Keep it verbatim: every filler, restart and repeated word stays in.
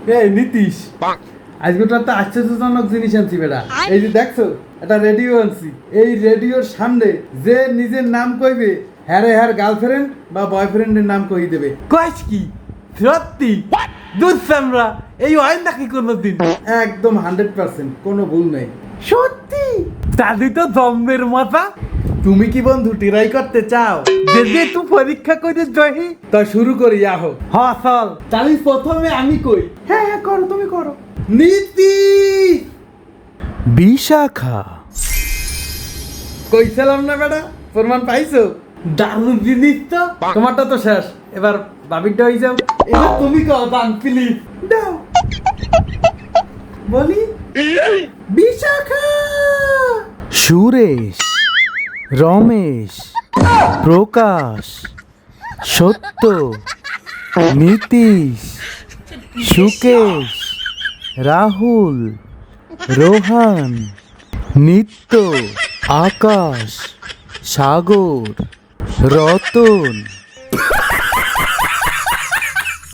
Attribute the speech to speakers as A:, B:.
A: এই নীতিশ, আজকে তো একটা আশ্চর্যজনক জিনিস আনছি বেটা। এই যে দেখছো একটা রেডিও আনছি। এই রেডিওর সামনে যে নিজের নাম কইবে, হ্যারে হ্যার গার্লফ্রেন্ড বা বয়ফ্রেন্ডের নাম কই দেবে।
B: কইস কি সত্যি? দুধ সামরা এই হয় নাকি কোনোদিন?
A: একদম হান্ড্রেড পার্সেন্ট, কোনো ভুল নেই।
B: সত্যি? দাদি তো জম্মের মাথা।
A: তুমি কি বন্ধু ট্রাই করতে চাও?
B: যদি তুই পরীক্ষা করে জহি
A: তা শুরু করি আহো।
B: হ চল।
A: তাহলে প্রথমে আমি কই।
B: হ্যাঁ হ্যাঁ করো, তুমি করো।
A: নীতি
B: বিশাখা।
A: কইছিলাম না বেটা, প্রমাণ পাইছো?
B: দারুণ জিনিস তো।
A: তোমারটা তো শেষ, এবার বাবিরটা হয়ে যাও। এবার তুমি কও দান প্লিজ দাও। বলি বিশাখা।
B: সুরেশ, রমেশ, প্রকাশ, সত্য, নীতিশ, সুকেশ, রাহুল, রোহান, নিত্য, আকাশ, সাগর, রতন,